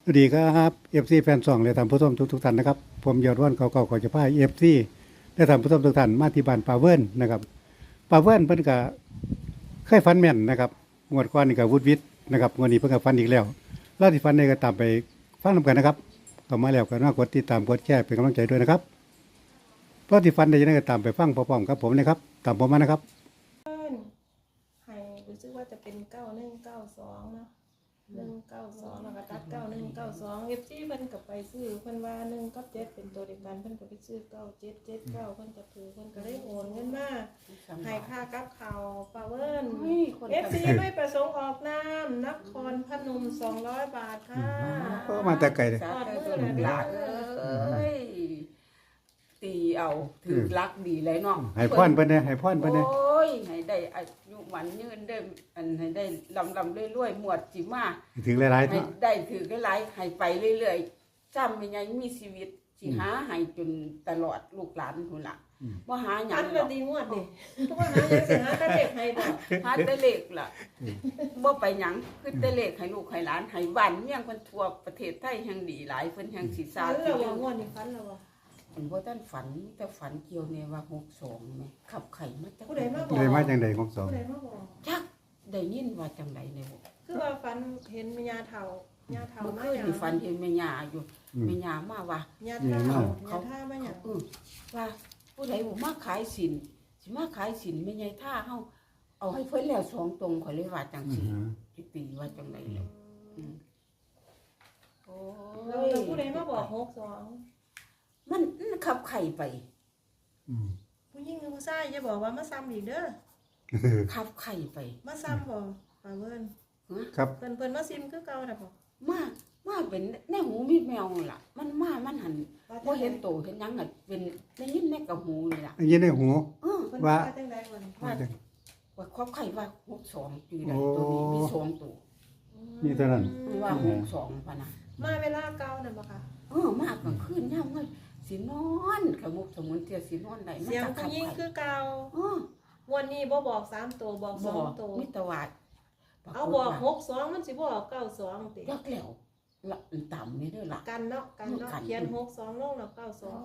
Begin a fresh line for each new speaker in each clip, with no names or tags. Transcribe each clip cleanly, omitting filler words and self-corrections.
สวัสดีครับเอฟซีแฟนซองและท่านผู้ชมทุกท่านนะครับผมยอดวันเก่าๆขอจะพาเอฟซีและท่านผู้ชมทุกท่านมาที่บ้านปาเวิร์นนะครับปาเวิร์นเพิ่นก็เคยฝันแม่นนะครับงวดก่อนนี่ก็วุฒิวิทย์นะครับงวดนี้เพิ่นก็ฝันอีกแล้วเล่าที่ฝันได้ก็ตามไปฟังนำกันนะครับเข้ามาแล้วก็น่ากดติดตามกดแชร์เป็นกำลังใจด้วยนะครับเล่าที่ฝันได้ยังไงก็ตามไปฟังพร้อมๆกับผมนะครับตามผมมานะครับ
ให้รู้สึกว่าจะเป็น9192เนาะ192แล้วก็ตัด9192เอฟซีเพิ่นก็ไปซื้อเพิ่นว่า1กับ7เป็นตัวเดียวกันเพิ่นก็ไปซื้อ9779เพิ่นก็ถือเพิ่นก็ได้โอนเงินมาให้ค่ากับข้าวปาเวิร์นเอฟซีไม่ประสงค์ออกนามนครพนม200 บาทค่ะ
มาแต่ไกลเลย
สาธุลูกหลานเอ้ยตีเอาถือรักดีเลยเนาะ
ให้พรเพิ่นเด้ให้พรเพิ่นเด้
โอ้ยให้ได้อายุหวันยืนได้อันให้ได้ลำรวยๆหมวดจิมา
ถึงหลายๆ
ให้
เนาะ
ได้ถือหลายๆให้ไปเรื่อยๆจำเป็นยังมีชีวิตสิหาให้จนตลอดลูกหลานพุ่นล่ะบ่หาหยั
อั
ง
น
หร
ละ
อก
ดีงวดดิทุกวันนั้นยังสิหาแต่เด็กให้บ่
หาแต่เลขล่ะบ่ไปหยังคือแต่เลขให้ลูกให้หลานให้บ้านเมืองเพิ่นทั่วประเทศไทยแห่งดีหลายเพิ่นแห่งสิสา
ฝัน
ธุ
แล้วว่างวดนี้ฝันแล้วว่า
อันบ่ท่านฝันแต่ฝันเกี่ยวเนี่ยว่า62แม่ขับไข่มาจาก
ผู้ใดมาบอก
ได้มาจังได๋ของสอง
ผู้ใดมาบอก
จักได้ยินว่าจังไดเนี่ยบ่
คือว่าฝันเห็นมียาเฒ่า
เมื่อ
มา
คืน
หยัง
นี่ฝันเห็นแม่ย่าอยู่แม่ย่ามาว่า
ยาเฒ่ายาท่ามาหยัง
ว่าผู้ใดบ่มาขายสินสิมาขายสินแม่ใหญ่ท่าเฮาเอาให้เพิ่นแล้ว2ตรงข่อยเลยว่าจังซี่สิตีว่าจังไดแล้วโอ้
แล้วผู้ใดมาบอก62
มันขับไข่ไป
ผู้หญิงกับผู้ชายอย่าบอกว่ามาซ้ำอีกเด้อ
ขับไข่ไป
มาซ้ำบ่ป่าเพิ่น
ครับ
เพิ่นมาซิมคือเก่าน่ะบ่
มาเป็นแน่หูมีแมวล่ะ มันหันบ่เห็นโตเห็นหยังอ่ะเป็นได้ยินแม่กับหูนี่ล่ะ
อันนี้ในหู
เพิ่น
ว่า
จังได๋บ่นี่
ว่าความไข่ว่า62ปีใดตัวนี้มี2ตัว
นี่เท่านั้น
ว่า62ป่ะนะ
มาเวลาเก่านั่นบ่คะ
มากกลางคืนยามมื้อสินอนขมุกสมุนเทียสินอนได้
เสียงผู้หญิงคือเก่าวันนี้บ่บอก3ตัวบอก2ตัว
มิตรวาด
เอาบอก62มันสิบ่ออก92ติ
ยักแล้วละต่ำนี่เด้อล่ะ
กันเนาะเขียน62ลงแล้ว92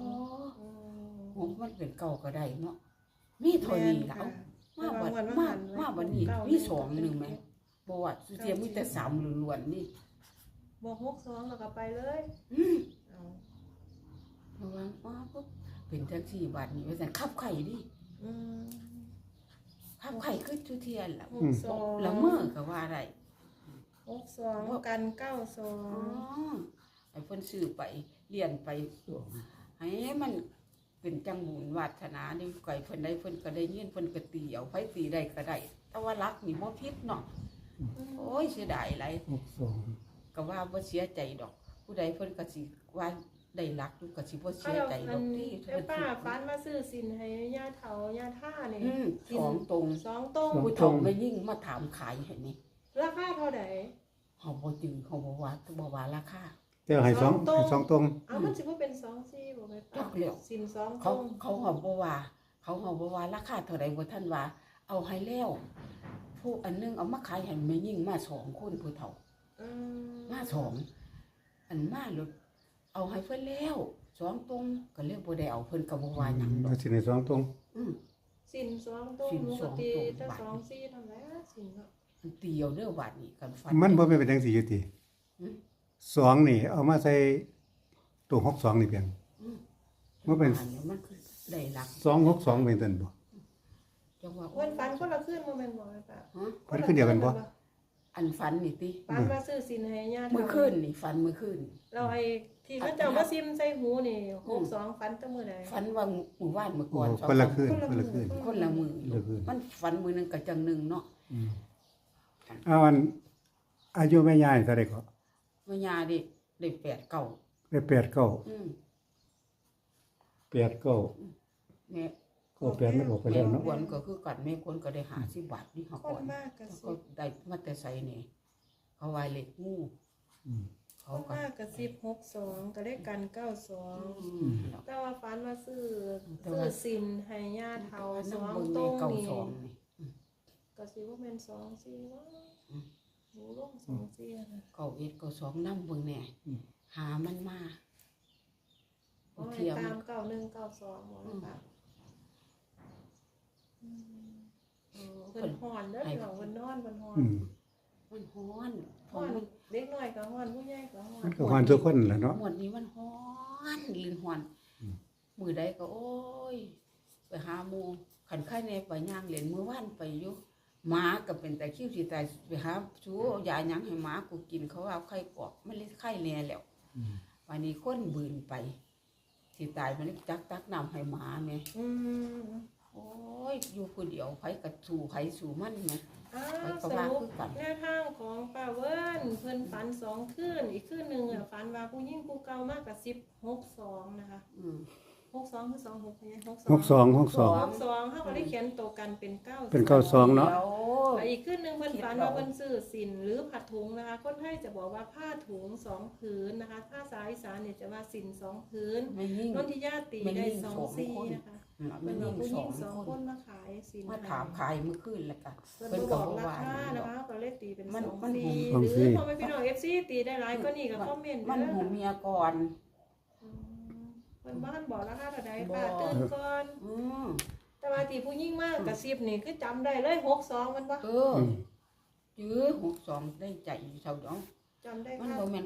มันเป็นเก่าก็ได้เนาะมีเท่านี้ล่ะมาบัดนี้มี2นึงมั้ยบ่ว่าสุเทียมีแต่3ล้วนๆนี่
บอก62แล้วก็ไปเลยเอา
เพราะว่าปุ๊บเป็นจังซี่บัดนี้ว่าซั่นขับไข่ดิ ขับไข่คือทุเทียนล่ะ
62
ละเมื่อก็ว่าได้
62กัน92
ไอ้เพิ่นซื้อไปเรียนไปให้มันเป็นจังบุญวาสนานี่ไก่เพิ่นได้เพิ่นก็ได้เงินเพิ่นก็ตีเอาไผตีได้ก็ได้แต่ว่ารักนี่บ่ผิดเนาะโอ้ยเสียดายหลายก็ว่าบ่เสียใจดอก ผู้ใดเพิ่นก็สิว่าได้รักอยู่ก็สิบ่เสียใจดอกที่
แต่ป้าฝันมาซื้อสินให้ย่าเฒ่าย่าท่านี่
2ตรง
2ตรง
ผู้เฒ่าไม่ยิ่งมาถามขายให้นี่
ราคาเท่าใด
เฮาบ่จื้อเฮาบ่ว่าราคา
เจ้าให้สองตรง
เอามันสิบ่เป็น24บ่แม่ป้าสิน2ตร
เขา
ง
เฮาบ่ว่าราคาเท่าใดบ่ทันว่าเอาให้แล้วผู้อันนึงเอามาขายให้แม่ยิ่งมา2คนผู้เฒ่ามา2อันมาลดเอาให้เพิ่นแล้ว2ตรงก็เลยบ่ได้เอาเพิ่นก็บ่ว่าหยังดอก
สิในสองตรง
สิน2ตรงปกติถ้า24เท่าไหร่สินเนาะ
มันเตียวเด้อบัดนี้กันฟัน
มันบ่แม่นเป็นจังซี่อยู่ติสองนี่ เอามาใส่ตัว62นี่เพียงมันเป็น
มันคือได้หลัก
262เป็นตันบ่
จังว่า
วันฝันคนละคืนบ่แม่นบ่แม่ป้า
เพิ่นคือเดียวกันบ่
อันฝันนี่ติ
ฝันว่าซื้อสินให้ย่า
มื้อคืนนี่ฝันมื้อคืน
เราไอ้ที่เขาเจ้ามาซิมใส่หูนี่62ฝันแต่มื้อใด
ฝันว่ามื้อวานมื้อก่อน
คนละคืนคนละคืน
คนละมื้อมันฝันมื้อนึงก็จังนึงเนาะ
เอาอันอายุแม่ยายเท่าใดก็
แม่ย่าได้8เก่า
ได้8 9 8 9
แม่
ก็8มันออกไปแล้วเนาะ
ควรก็คือกันแม่ควรก็ได้50บาทนี่เฮา
ค
ก่อน น
มากก็
ก็ได้มาแต่ไสนี่เขาว่าเล็กงูเขา
คน
ก็
มากก็1062ก็ได้กัน92แต่ว่าฝันว่าซื้อสินให้ย่าเฒ่า2ตรงนี่ก็สิบ่แม่น24ว่าหนูลง24นะ
เก่าเอ็ดเก่า2นำเบิ่งแน่
9192หมดเลยค่ะเพิ่นฮ้อนเด้อพี่น้องเพิ่นนอนเพิ่นฮ้อน
มันฮ้อน
ฮ้อนเด็กน้อยก็ฮ้อนผู้ใหญ่ก็ฮ้อน
มันก็ฮอนทุกคนแหละเนาะ
หมดนี้มันฮ้อนลินฮ้อนมือใดก็โอ้ยไปหาหมู่ขันไข่ในไปย่างเล่นมื้อวานไปอยู่หมาก็เป็นแต่คิ้วสิตายไปหาชูเอายาหยังให้หมากูกินเขาเอาไข่กอกมันเลยไข่แน่แล้ววันนี้คนบืนไปสิตายมันเลยตักน้ำให้หมาแม่ โอ้ยอยู่คนเดียวไผกระสู่ไผสู่มันไง
สรุปแนวทางของป้าเวิร์นเพิ่นฝัน2คืนอีกคืนนึงฝันว่าผู้หญิงผู้เก่ามากกับ1062นะคะ62คือ26เนี่ย62 62เฮาก็ได้เขียนตัวกันเป็น9
เป็น92เนาะ
อีกคืนนึงเพิ่นฝันว่าเพิ่นซื้อสินหรือผัดถุงนะคะคนไทยจะบอกว่าผ้าถุง2ผืนนะคะภาษาอีสานเนี่ยจะว่าสิน2ผืน
ไม่ยิ่ง
นนทิยาตีได้2ซี่นะคะ
ไม่
เป็น
ยิ่ง
ผู้หญิง
สอง
2
ค
คน นมาขายสิน
มาถามขายเมื่อคืนแล้วกัน
เพิ่นบอกราคานะคะก็เลยตีเป็น2ซี่
สอง
ห
ซี่
รือพอไม่พี่น้อง FC ตีได้หลายก็นี่ก็คอมเมนต์
มัน
เด้อ
หูเมียก่อน
เพิ่นบ้านบอกราคาเท่าใดค่ะตื่นก่อน
อืม
แต่ว่าที่ผู้หญิงมากกับ10นี่คือจำได้เลย62มันบ่
จื้อ62ได้ใจเท่าดอง
จำได้
มัน
ค่ะ
บ่แม่น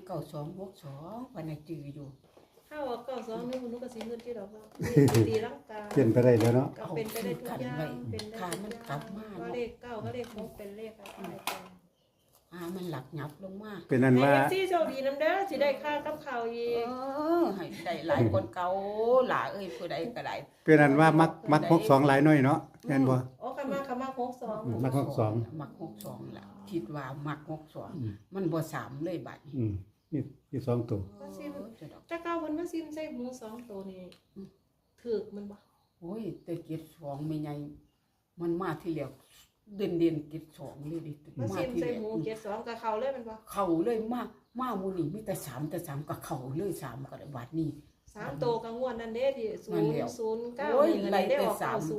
9262วันน่ะจื้ออยู่
ถ้าว่า92นี่คุณนุก็สิเงินที่ดอกว่าตีร่างกาย
เปลี่ยนไปได้แล้วเนาะ
ก็เป็นไปได้ทุกอย่างเป็นได้ทุกอย่างว่าเลข9ก็เลข6เป็นเลขอะไรกัน
มันหลักหยับลงมา
เป็นนั้นว่า
ให้ FC โชคดีนำเด้อสิได้ค่ากับข้าวอีก
ให้ได้หลายคนเก่าหล่าเอ้ยผู้ใดก็ได้
เป็นนั้นว่ามัก62หลายหน่อยเนาะแม่นบ่
โอ้คำมา62
มัก62
มัก62ล่ะคิดว่ามัก62มันบ่3เลยบัดนี้
นี่2ตัว
ว่าซิมแต่ก้าวเพิ่นมาซิมใส่หมู2ตัวนี่ถูกมันบ่
โอ้ยแต่เก็บ2แม่ใหญ่มันมาที่แล้วเด่นเก็บ2เลยดิ
มาซิมใส่หมู72กับเขาเลยมันบ่
เข้าเลยมาหมู่นี่มีแต่3ก็เข้าเลย3ก็ได้บัดนี้
3ตัวกังวลนั่นเด้ที่009
โอ้ย
นี่
ไล่
ได้
แต่
ออก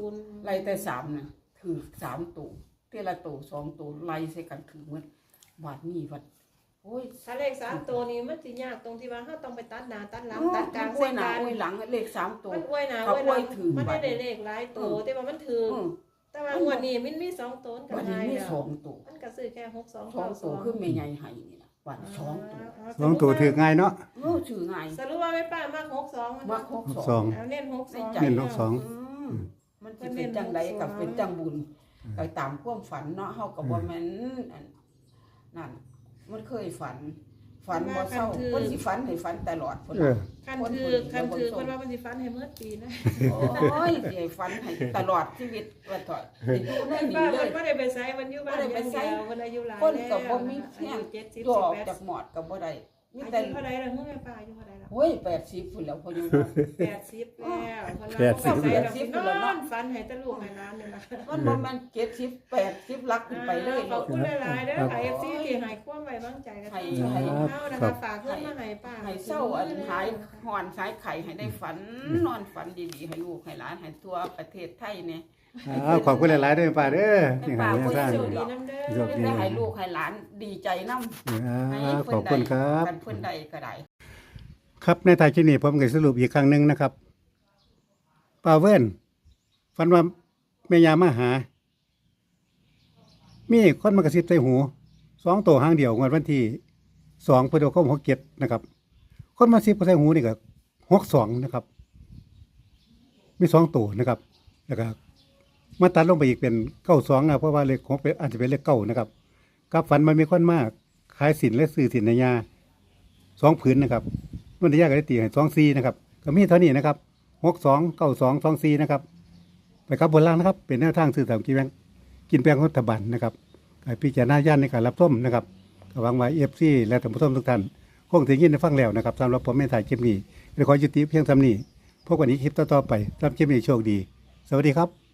3ไล่แต่3น่ะถือ3ตัวเทละตัว2ตัวไล่ใส่กันถือหมดบัดนี้บัดโอ้ย
ถ้าเลข3ตัวนี้มันสิยากตรงที่ว่าเฮาต้องไปตัดหน้าตัดหลัง
ตั
ตั
ด
ด
ก
ก
ลา
ลาง ง
ใส่
ใส่
หน้า
กัน
อวยหลังเลข3ตัว
มันอวยหน้า
เขา
อวยหลั
อวย
ง
ถือ
มันได้เลขหลายตัวแต่ว่ามันถือแต่ว่างวดนี้มันมี2ตัวกั
บั
น
ด
ได้
นี้มี
แล้ว
2ตัว
มันก็ซื้อแค่62
2ตัวคือแม่ใหญ่ให้นี่ล่ะบัด2ตัว
2ตัวถือง่ายเนาะ
ชื่อง่าย
สรุปว่าแม่ป้ามาก62มัน
มัก
2
เอาเน้น62
เน้น62
มันสิเป็นจังไดกับเป็นจังบุญก็ตามความฝันเนาะเฮาก็บ่แม่นนั่นมันเคยฝันบ่เศร้าเพิ่นสิฝันให้ฝันตลอดพุ่น
เออ
คันถือเพิ่นว่ามันสิฟันให้เมื่อปีนะ
โอ้ยสิให้ฝันให้ตลอดชีวิตว่าต่ออยู่ในนี้
ป้า
เล
เพิ่
ย
นบ่ได้ไปไสมันอยู่บ้านอย่างเดียวมันอายุหลาย
คนก็บ่มี
อา
แห้ง
ยุ70
ตัวออก
18
จากหมอดก็บ่ได้มี
อา
แต่
ยุเท่าใดล่ะแม่ป้าอายุเท่าใดล่ะ
โอ้ย80พุ่นแล้วพออยู่
80แล้วเพิ่นว่า80แล้วนอนฝันให้ตะลูกให้หลานนี่ล่ะ
มันบ่แม่น70 80ลักขึ้นไปเลย
ขอบคุณหลายๆเด้อค่ะ FC ที่ให้ความไว้วางใจกันเฮานะคะฝากเงินมาให้ป้า
ให้เศร้าอันหายหอนสายไข่ให้ได้ฝันนอนฝันดีๆให้ลูกให้หลานให้ทั่วประเทศไทยเนี่ย
ขอบคุณหลายๆเด้อป้าเด้อนี่หาแนวทาง
โชคดีนำเด้อ
โชคดี
ได้ให้ลูกให้หลานดีใจนำ
ขอบคุณครับ
กันเพิ่นใดก็ได้
ครับในท้ายที่นี้ผมก็สรุปอีกครั้งหนึงนะครับป้าเวิร์นฝันว่าแม่ยามาหา มีคนมากระซิบใส่หู2ตัวหางเดียวงวดวันที่2พฤษภาคม67นะครับ คนมาซิบใส่หูนี่ก็62นะครับ มี2ตัวนะครับ แล้วก็มาตัดลงไปอีกเป็น92นะเพราะว่าเลข6เป็นอาจจะเป็นเลข9นะครับกับฝันมันมีคนมากขายสินและซื้อสินในยา2ผืนนะครับมันได้ยากก็ได้ตีให้24นะครับก็มีเท่านี้นะครับ62 92 24นะครับไปกับบนล่างนะครับเป็นแนวทางซื้อสามกินแปลงรัฐบาลนะครับให้พิจารณาญาณในการรับชมนะครับก็หวังว่า FC และท่านผู้ชมทุกท่านคงถึงยินได้ฟังแล้วนะครับสำหรับผมในถ่ายคลิปนี้ขอยุติเพียงเท่านี้พบกันอีกคลิปต่อๆไปสำหรับคลิปนี้โชคดีสวัสดีครับ